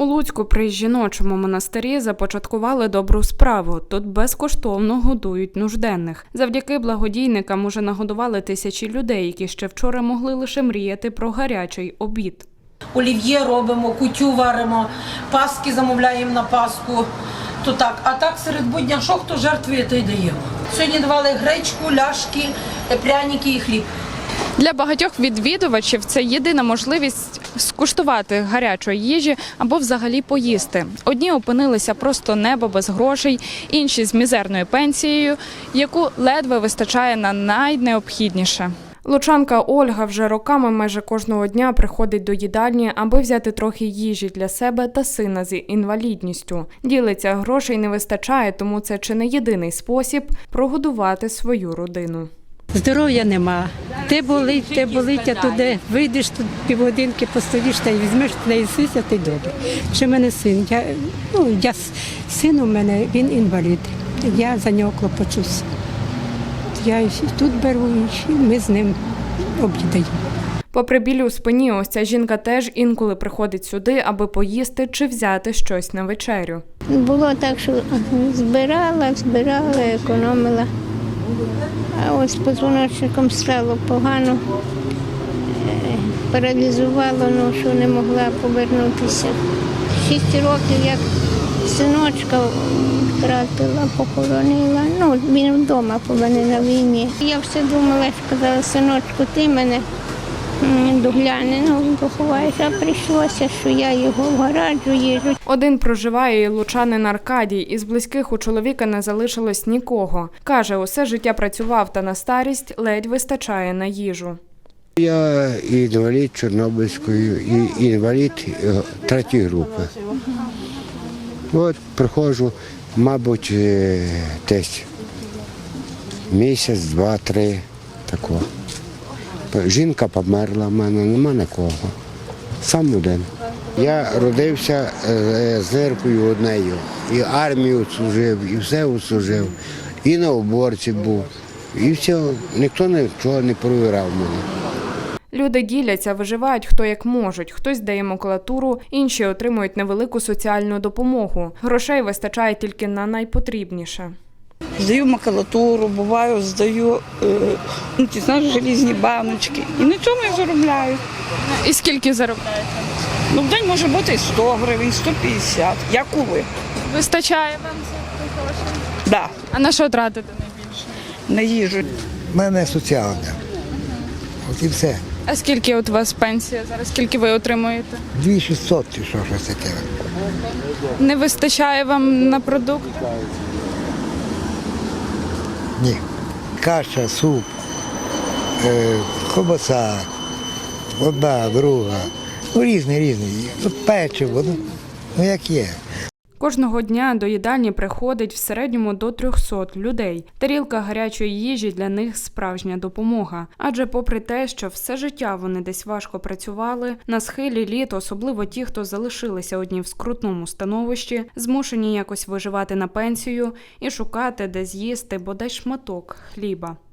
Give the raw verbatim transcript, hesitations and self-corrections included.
У Луцьку при жіночому монастирі започаткували добру справу. Тут безкоштовно годують нужденних. Завдяки благодійникам уже нагодували тисячі людей, які ще вчора могли лише мріяти про гарячий обід. Олів'є робимо, кутю варимо, паски замовляємо на Пасху. То так. А так серед будня, що хто жертвує, то й даємо. Сьогодні давали гречку, ляшки, пряники і хліб. Для багатьох відвідувачів це єдина можливість скуштувати гарячої їжі або взагалі поїсти. Одні опинилися просто небо без грошей, інші з мізерною пенсією, яку ледве вистачає на найнеобхідніше. Лучанка Ольга вже роками майже кожного дня приходить до їдальні, аби взяти трохи їжі для себе та сина з інвалідністю. Ділиться, грошей не вистачає, тому це чи не єдиний спосіб прогодувати свою родину. Здоров'я нема. Те болить, те болить, а туди вийдеш, тут півгодинки постоїш та й візьмеш, та й сися, ти добре. Ще в мене син, я, ну, я, син у мене, він інвалід, я за нього клопочусь. Я і тут беру, і ми з ним обідаємо. Попри біль у спині, ось ця жінка теж інколи приходить сюди, аби поїсти чи взяти щось на вечерю. Було так, що збирала, збирала, економила. А ось з позвоночником стало погано, паралізувало, ну, що не могла повернутися. Шість років, як синочка втратила, похоронила. Ну, він вдома, повинен на війні. Я все думала, що казала, синочку, ти мене догляне, ну, поховаєш, а прийшлося, що я його вгораджу, їжу. Один проживає і лучанин Аркадій. Із близьких у чоловіка не залишилось нікого. Каже, усе життя працював, та на старість ледь вистачає на їжу. Я інвалід Чорнобильської, і інвалід третьої групи. От приходжу, мабуть, десь місяць, два, три, такого. Жінка померла в мене, нема нікого. Сам один. Я родився з ниркою однею. І армію служив, і все служив, і на уборці був. І все, ніхто нічого не провірав мене. Люди діляться, виживають хто як можуть. Хтось дає макулатуру, інші отримують невелику соціальну допомогу. Грошей вистачає тільки на найпотрібніше. Здаю макулатуру, буваю, здаю е, ну, ті, знаєш, желізні баночки. І на цьому я заробляю. І скільки заробляєте? Ну, в день може бути сто гривень, сто п'ятдесят, як у ви. Вистачає вам за грошей? Да, А на що тратите найбільше? на їжу. У мене соціальне. От і все. А скільки от у вас пенсія зараз? Скільки ви отримуєте? дві тисячі шістсот чи що, щось таке. Не вистачає вам на продукти? Ні. Каша, суп, е, ковбаса, одна, друга. Ну, різні, різні. Ну, печиво, ну, ну як є. Кожного дня до їдальні приходить в середньому до трьохсот людей. Тарілка гарячої їжі для них – справжня допомога. Адже попри те, що все життя вони десь важко працювали, на схилі літ, особливо ті, хто залишилися одні в скрутному становищі, змушені якось виживати на пенсію і шукати, де з'їсти бодай шматок хліба.